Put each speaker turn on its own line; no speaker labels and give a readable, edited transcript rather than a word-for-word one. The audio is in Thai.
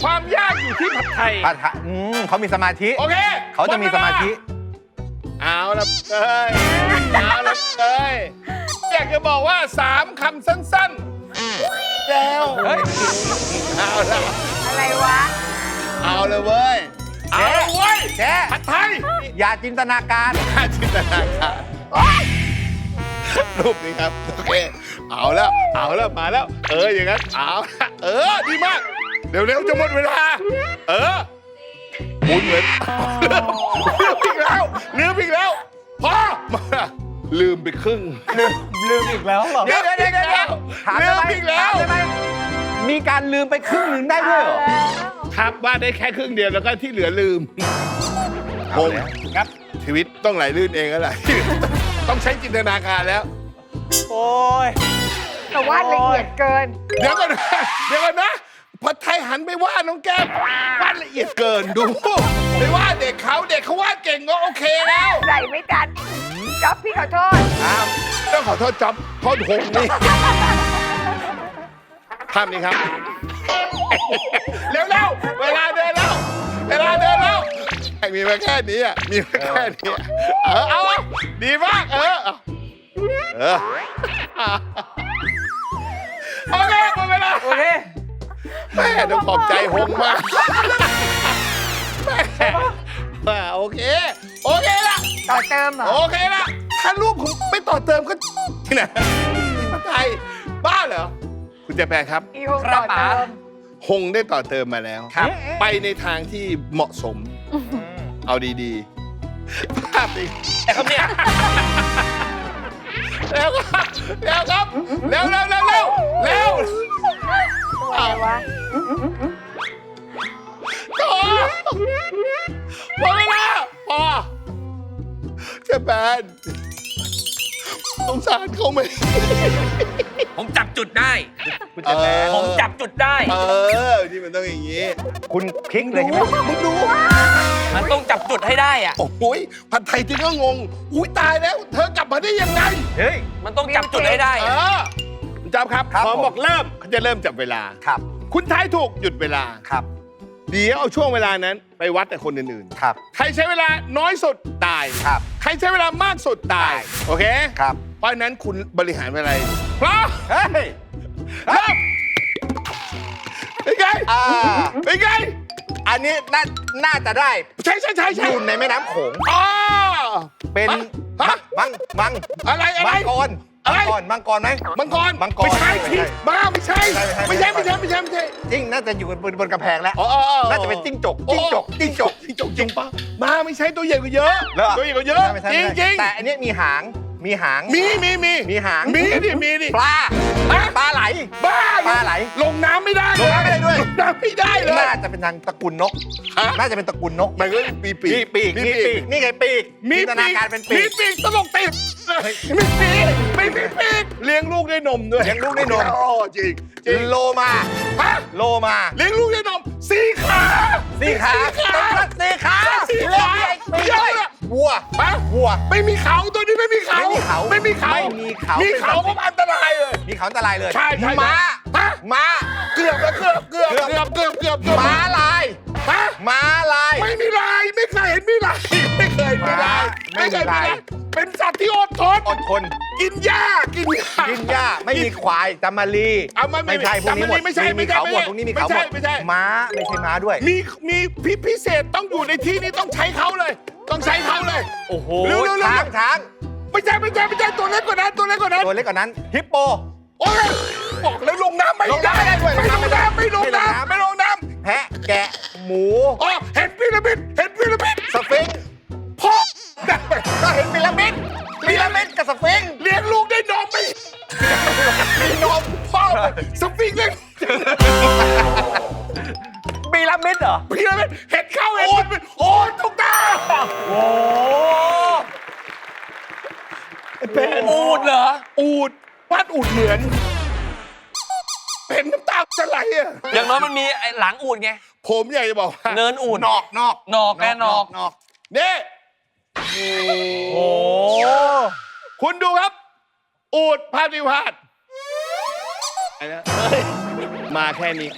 ความยากอยู่ที่ผัดไทย
ผัดไทยเขามีสมาธิ
โอเค
เขาจะมีสมาธิ
เอาละเอ้ยเอาละเอ้ยอยากจะบอกว่า3 คำสั้นๆแล้วเอาละ
อะไรวะ
เอาเลยเว้ยเอาเลยเว้ย
แก
ผัดไทย
อย่าจินตนาการ
น่าจินตนาการรูปนี้ครับโอเคเอาแล้วมาแล้วอย่างนั้นเอาละดีมากเร็วๆจะหมดเวลาหมุนเหมือนลืมอีกแล้วพอมาลืมไปครึ่ง
ลืมอีกแล้วเหรอ
เดี๋ยว
ถาม
ลื
ได้
ม
ไหม
อีกแล้ว
ถามได้ไหมมีการลืมไปครึ่งหนึ่งได้ด้วยเหรอ
ครับว่าได้แค่ครึ่งเดียวแล้วก็ที่เหลือลืมงงครับชีวิตต้องไหลลื่นเองแล้วแหละต้องใช้จินตนาการแล้ว
โอ้ย
แต่วาดละเอียดเกิน
เดี๋ยวก่อนนะผัดไทยหันไปว่าน้องแก้มวาดละเอียดเกินดูไปว่าเด็กเขาวาดเก่งก็โอเคแล้ว
ใส่ไม่ทันจ๊อบพี่ขอโทษ
ต้องขอโทษจ๊อบโทษหงนี่ภาพนี้ครับเร็วเวลาเดินแล้วมีมาแค่นี้มีมาแค่นี้เอาดีมากโอเคหมดเวลา
โอเค
แม่ต้องขอบใจหงมากแม่โอเคละ
ต่อเติมเหรอ
โอเคละถ้ารูปผมไม่ต่อเติมก็ที่ไหนไทยบ้าเหรอคุณเจแปนครับ
อีหงต่อเติม
หงได้ต่อเติมมาแล้ว
ครับ
ไปในทางที่เหมาะสม เอาดีๆ ภาพนี้
แต่ครับเนี่ย
แล้วครับเร็ว
อะไรวะ
ต่อพอเวลาพอเจะแปนสงสารเขาไหม
ผมจับจุดได้
คุณเจแปน
ผมจับจุดได้
นี่มันต้องอย่างนี้
คุณพลิกเลยใช่ไหม
มึงดู
มันต้องจับจุดให้ได้อะ
โอ้ยผัดไทยที่ก็งง อุ้ยตายแล้ว เธอกลับมาได้ยังไง
เฮ้ย
มันต้องจับจุดให้ได้อะ
คุณจ๊อบครับ
ครับ
พอ
ผม
บอกเริ่มเขาจะเริ่มจับเวลา
ครับ
คุณทายถูกหยุดเวลา
ครับ
เดี๋ยวเอาช่วงเวลานั้นไปวัดแต่คนอื่น
ครับ
ๆ ใครใช้เวลาน้อยสุดตาย
ครับ
ใครใช้เวลามากสุดตาย
ตาย
โอเค
ครับ
เพราะฉะนั้นคุณบริหารเวลาพร้อม
เฮ้ย
เริ่มเป็นไง เป็นไง
อันนี้น่าจะได้
ใช่
อยู่ในแม่น้ำโขง
อ๋อ
เป็น
ฮะ
มัง
อะไร
มังกร
อะไร
มังกรไหม
มังกร
มังกร
ไม่ใช่
ไม่ใช่
ที่บ้าไม่ใช่
ไม่ใช่
ไม่ใช่
จริงน่าจะอยู่บนกำแพงแล้ว
อ๋อ
น่าจะเป็นจิ้งจกจริงปะ
มาไม่ใช่ตัวใหญ่กว่าเยอะ
เหรอ
ตัวใหญ่กว่าเยอะ
ไม่ใช่
จริง
แต่อันนี้มีหาง
มี
มีหาง
มีดิ
ปลา
ฮะ
ปลาไหล
บ้า
ปลาไหล
ลงน้ำไม่ได้
ลงน้ำไม่ได้ด้วย
ลงน้ำไม่ได้เลย
น่าจะเป็นทางตระกูลนก
ฮะ
น่าจะเป็นตระกูลนก
มันก็มีปี
มีปีก นี่ไงปีก
มี
จินตนาการเป็นปี
มี
ก
ปีกตลกติดมีปีกไม่มีปีกเลี้ยงลูกด้วยนมด้วย
เลี้ยงลูกด้วยนม
โอ้จริง
โลมา
ฮะ
โลมา
เลี้ยงลูกด้วยนมสี่ขา
สี่ขา
สี่ขา
สี่ขา
สี่ขา
ไม่
เย
ใช่
อะ
วัว
ฮะ
วัว
ไม่มีเขาตัวนี้ไม่มีเขา
ไม่มีเขา
ไม่มีเขา
ไม่มีเขา
มีเขาก็อันตรายเลย
มีเขาอันตรายเลย
ใช่
ม้า
ฮะ
ม้า
เกือบแล้วเกือบ
ม้าลาย
ฮะ
ม้าลาย
ไม่มีลายไม่เคยเห็นมีลายไม่เคยมีลาย
ไม่มีลาย
เป็นสัตว์ที่อดทน
อดทน
กินหญ้า
กินหญ้าไม่มีควายจามารี
เอาไม่
ใช่พวกนี้หมด
ไม่ใช่
มีเขาหมดพวกนี้มีเขาหมด
ไม่ใช่
ม้าไม่ใช่ม้าด้วย
มีพิเศษต้องอยู่ในที่นี้ต้องใช้เขาเลย ต้องใช้เขาเลย
โอ้โห
เร็วๆ
ช้าง
ไม่ใช่ตัวเล็กกว่านั้น
ตัวเล็กกว่านั้นฮิปโป
โอ้ยบอกแล้วลงน้ำไม่
ลงน้ำไม่ได้ด้วย
ไม่ลงน้ำ
ไม่ลงน้ำ แพะแกะหมู
อ๋อเห็นพีระมิด
สฟิงค์
พ่อ
ก็เห็นพีระมิดกับสฟิงค์
เลี้ยงลูกได้นมไหมมีนมพ่อสฟิงค์เลย
พีระมิดเหรอ
พีระมิดเห็นเข้าเห็นมันโอ้ทุกตา
โอ้
เป็น
อูดเหรอ
อูดวาดอูดเหมือนเป็นน้ำตาจะไหลอ่ะ
อย่างน้อยมันมีไอ้หลังอูดไง
ผมอยากจะบอกว่า
เนินอูด
นอก
นอกแน่นอก
นี่
โอ้
คุณดูครับ อูดภาพนิวาดมาแค่นี้